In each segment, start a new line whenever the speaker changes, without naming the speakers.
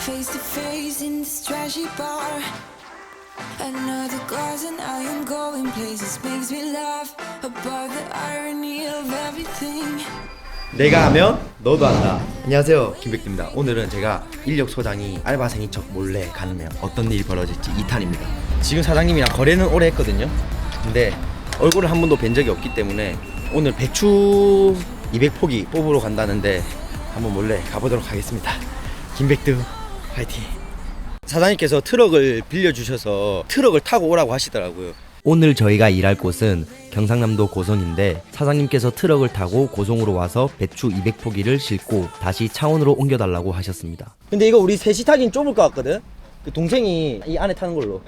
face to face in this trashy bar. Another glass and I am going places. Makes me laugh about the irony of everything.
내가 하면 너도 한다. 안녕하세요, 김백두입니다. 오늘은 제가 인력 소장이 알바생인 척 몰래 가면 어떤 일이 벌어질지 2탄입니다. 지금 사장님이랑 거래는 오래 했거든요. 근데 얼굴을 한 번도 뵌 적이 없기 때문에 오늘 배추 200포기 뽑으러 간다는데 한번 몰래 가보도록 하겠습니다. 김백두 파이팅. 사장님께서 트럭을 빌려주셔서 트럭을 타고 오라고 하시더라고요. 오늘 저희가 일할 곳은 경상남도 고성인데 사장님께서 트럭을 타고 고성으로 와서 배추 200포기를 싣고 다시 창원으로 옮겨달라고 하셨습니다. 근데 이거 우리 셋이 타긴 좁을 것 같거든? 그 동생이 이 안에 타는 걸로.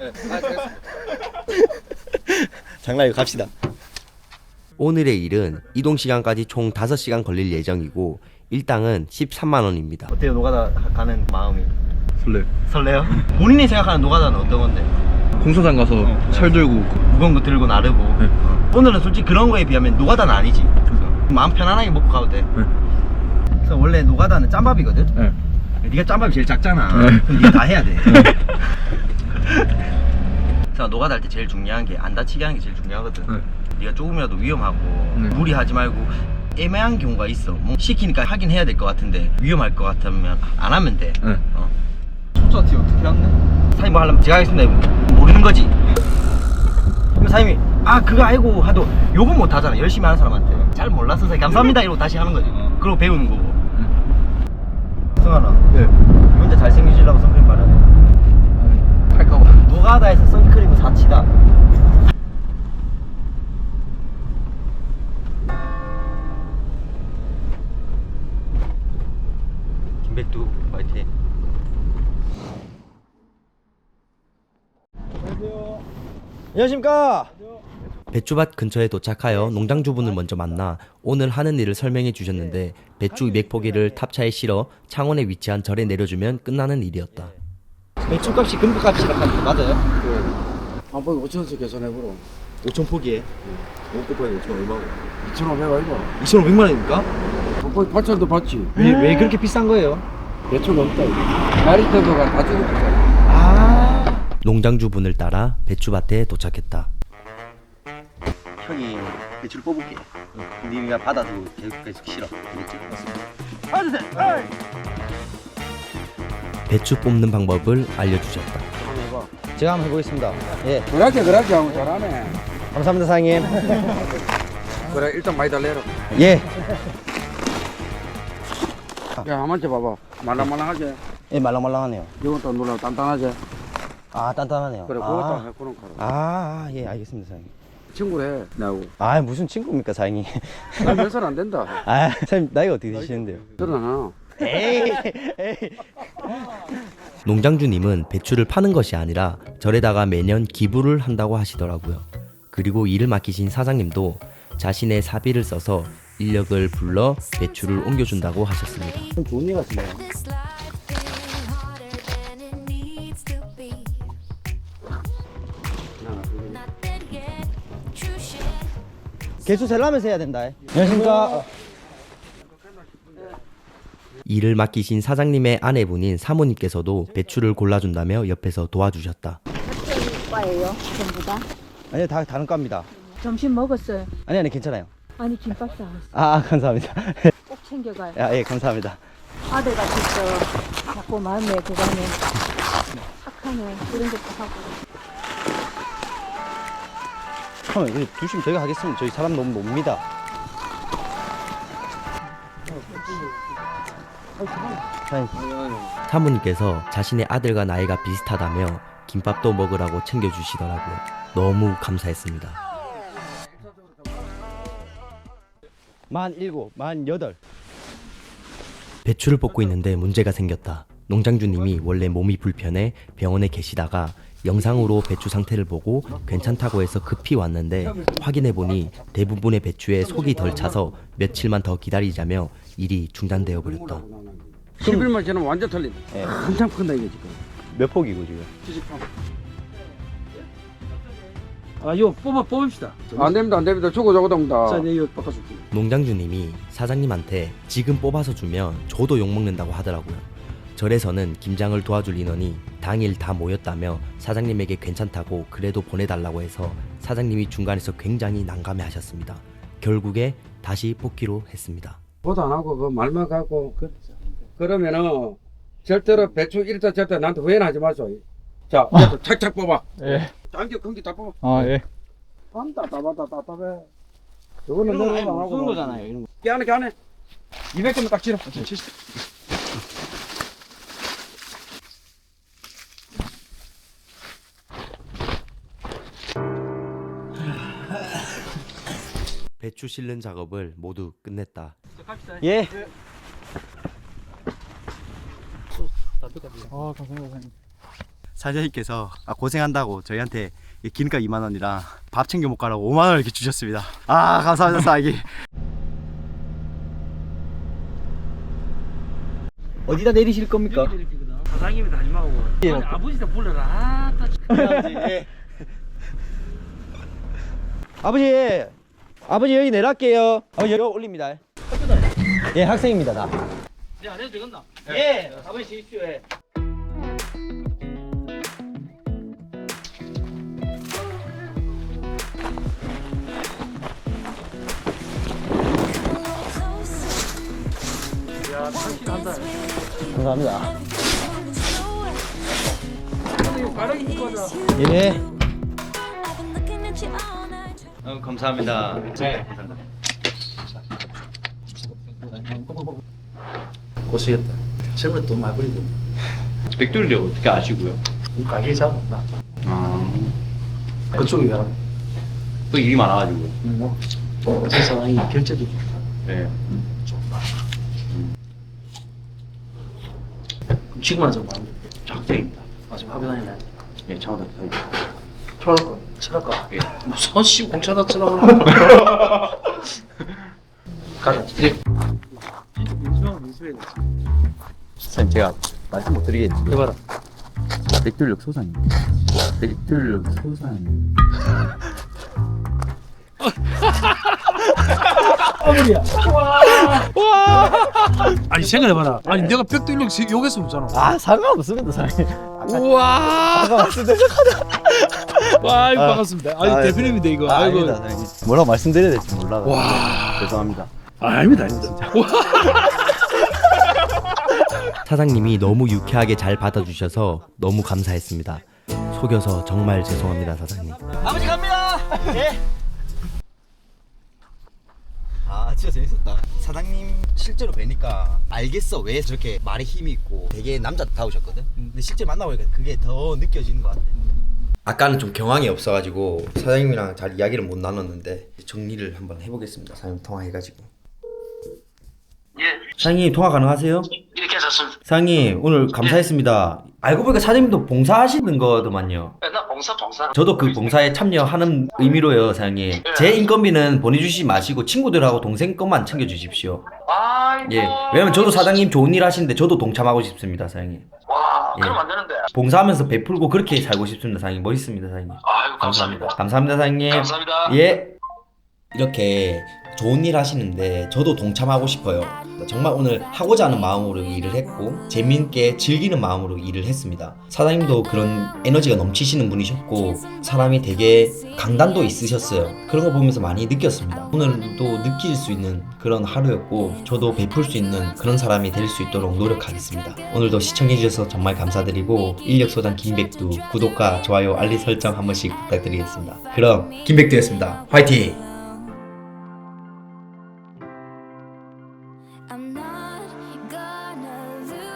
장난이고 갑시다. 오늘의 일은 이동 시간까지 총 5시간 걸릴 예정이고 일당은 13만원입니다. 어때요? 노가다 가는 마음이? 설레요? 본인이 생각하는 노가다는 어떤 건데?
공사장 가서 철 들고
무거운 거 들고 나르고.
네.
오늘은 솔직히 그런 거에 비하면 노가다는 아니지. 마음 편안하게 먹고 가도 돼.
네.
그래서 원래 노가다는 짬밥이거든?
네.
네가 짬밥이 제일 작잖아.
네.
그럼 네가 다 해야 돼. 그래서 노가다 할 때 제일 중요한 게 안 다치게 하는 게 제일 중요하거든.
네.
네가 조금이라도 위험하고
네.
무리하지 말고 애매한 경우가 있어. 뭐 시키니까 하긴 해야 될 것 같은데 위험할 것 같으면 안 하면 돼.
네.
숫자티 어떻게 왔네? 사장님 뭐 하려면 제가 하겠습니다. 모르는 거지. 그럼 사장님이 아 그거 알고 하도 욕은 못 하잖아. 열심히 하는 사람한테 잘 몰라서 사장님 감사합니다 이러고 다시 하는 거지. 그러고 배우는 거고. 승환아,
네.
혼자 잘생기시려고 선크림 바르네.
할까봐.
노가다에서 선크림은 사치다. 김백두 파이팅. 안녕하십니까. 배추밭 근처에 도착하여 농장주분을 먼저 만나 오늘 하는 일을 설명해 주셨는데 배추 200포기를 탑차에 실어 창원에 위치한 절에 내려주면 끝나는 일이었다. 배추값이 금값이라 하는 거 맞아요?
한 번에 5천원씩 계산해보라.
5,000포기에 5곱하기 5천 얼마고?
2,500원 이거.
2,500만 원입니까?
한 번에 8천원도 받지.
왜 그렇게 비싼 거예요?
배추가 없다. 나리터브가 다 죽었다.
아 농장주분을 따라 배추밭에 도착했다. 형이 배추를 뽑을게. 네가 받아주고 계속 실어. 알겠지? 배추 뽑는 방법을 알려주셨다.
한번 해봐.
제가 한번 해보겠습니다. 예,
그렇게 하고 잘하네.
감사합니다 사장님.
그래 일단 많이 달래라.
예,
야 한번 쳐봐봐. 말랑말랑하지?
예 말랑말랑하네요.
이건 또 눌러 단단하지?
아 단단하네요.
그래 그것도 해보는 거라.
예 알겠습니다 사장님.
친구를 해 나하고.
아 무슨 친구입니까 사장님?
몇 살 안 된다.
아 사장님 나이가 어떻게 되시는데요?
그러나
에이. 농장주님은 배추를 파는 것이 아니라 절에다가 매년 기부를 한다고 하시더라고요. 그리고 일을 맡기신 사장님도 자신의 사비를 써서 인력을 불러 배추를 옮겨준다고 하셨습니다.
좋은 일 같은데.
This life getting harder than it needs to be. Not dead yet. True shit.
개수 셀라면서 해야 된다. 안녕하십니까. 일을 맡기신 사장님의 아내분인 사모님께서도 배추를 골라준다며 옆에서 도와주셨다.
과예요, 전부 다.
아니요 다 다른 과입니다.
점심 먹었어요.
아니 괜찮아요.
아니 김밥 사왔어.
아 감사합니다.
꼭 챙겨가요.
예 감사합니다.
아들 같이 있어. 자꾸 마음에 그가네. 착하네. 그런 것도 하고.
형 두시면 저희가 하겠습니다. 저희 사람 너무 놉니다. 사모님께서 자신의 아들과 나이가 비슷하다며 김밥도 먹으라고 챙겨주시더라고요. 너무 감사했습니다. 17, 18. 배추를 뽑고 있는데 문제가 생겼다. 농장주님이 원래 몸이 불편해 병원에 계시다가 영상으로 배추 상태를 보고 괜찮다고 해서 급히 왔는데 확인해보니 대부분의 배추에 속이 덜 차서 며칠만 더 기다리자며 일이 중단되어 버렸다.
11만 지나면 완전 틀린다.
예.
한참 큰다 이게 지금.
몇 폭이고 지금?
78. 아 이거 뽑읍시다. 안 됩니다. 저거 동다. 자, 이거 바꿔줄게.
농장주님이 사장님한테 지금 뽑아서 주면 저도 욕먹는다고 하더라고요. 절에서는 김장을 도와줄 인원이 당일 다 모였다며 사장님에게 괜찮다고 그래도 보내달라고 해서 사장님이 중간에서 굉장히 난감해하셨습니다. 결국에 다시 뽑기로 했습니다.
보도 안 하고 그 말만 갖고 그러면은 절대로 배추 1도 절대 나한테 후회는 하지 마소. 자, 이제 착착 뽑아.
예.
당겨 큰게 다 뽑아.
아, 예.
답답해. 저거는 너무 안 하고
무슨 거잖아요, 이런 거.
깨안해 200개만 딱 치러.
배추 실는 작업을 모두 끝냈다.
예.
아, 감사합니다.
사장님께서 고생한다고 저희한테 기름값 2만 원이랑 밥 챙겨 먹가라고 5만 원을 이렇게 주셨습니다. 아, 감사합니다, 사장님.
어디다 내리실 겁니까?
사장님이 다 하지 말고. 아버지도 불러라.
아버지 여기 내려갈게요. 아버지 여기 올립니다. 예, 학생입니다 나.
이제 안 해도 되겠나?
예, 아버지 주십시오. 예. 감사합니다. 예.
감사합니다. 네. 고생했다. 세월에 돈 많이 버리고.
백돌이 어떻게 아시고요?
가게 잡았다.
아,
그쪽이 가라.
또 일이 많아가지고.
제 사장이 결제도
네.
지금 하자고 하는
작대입니다.
지금 학교 다니네.
예, 차오다 사이.
철학과. 철학과.
예.
무슨 씨 공차다 쳐다보는 가자.
선생님, 제가 말씀 못 드리겠는데.
해봐라.
백돌력 소산입니다. 백돌력 소산.
아니 생각해봐라. 아니 내가 벽돌력 욕했으면 없잖아.
아, 상관없습니다, 사장님.
우와. 와, 이거 반갑습니다. 아니 대표님인데 이거. 아이고.
아닙니다, 사장님. 뭐라고 말씀드려야 될지 몰라요.
와.
죄송합니다.
아닙니다, 진짜.
사장님이 너무 유쾌하게 잘 받아주셔서 너무 감사했습니다. 속여서 정말 죄송합니다, 사장님.
아버지 갑니다. 예. 아, 진짜 재밌었다.
사장님 실제로 뵈니까 알겠어 왜 저렇게 말에 힘이 있고 되게 남자다우셨거든. 근데 실제 만나보니까 그게 더 느껴지는 것 같아. 아까는 좀 경황이 없어가지고 사장님이랑 잘 이야기를 못 나눴는데 정리를 한번 해보겠습니다. 사장님 통화해가지고.
예,
사장님 통화 가능하세요?
예, 괜찮습니다.
사장님 오늘 감사했습니다. 알고 보니까 사장님도 봉사하시는 거더만요.
나 봉사.
저도 그 봉사에 참여하는 의미로요, 사장님. 제 인건비는 보내주시지 마시고 친구들하고 동생 것만 챙겨주십시오.
아이고.
예, 왜냐면 저도 사장님 좋은 일 하시는데 저도 동참하고 싶습니다, 사장님.
와,
예.
그럼 안 되는데.
봉사하면서 베풀고 그렇게 살고 싶습니다, 사장님. 멋있습니다, 사장님.
아이고, 감사합니다.
감사합니다, 사장님.
감사합니다.
예. 이렇게 좋은 일 하시는데 저도 동참하고 싶어요. 정말 오늘 하고자 하는 마음으로 일을 했고 재미있게 즐기는 마음으로 일을 했습니다. 사장님도 그런 에너지가 넘치시는 분이셨고 사람이 되게 강단도 있으셨어요. 그런 거 보면서 많이 느꼈습니다. 오늘도 느낄 수 있는 그런 하루였고 저도 베풀 수 있는 그런 사람이 될 수 있도록 노력하겠습니다. 오늘도 시청해주셔서 정말 감사드리고 인력소장 김백두 구독과 좋아요 알림 설정 한 번씩 부탁드리겠습니다. 그럼 김백두였습니다. 화이팅!
I'm not gonna lose.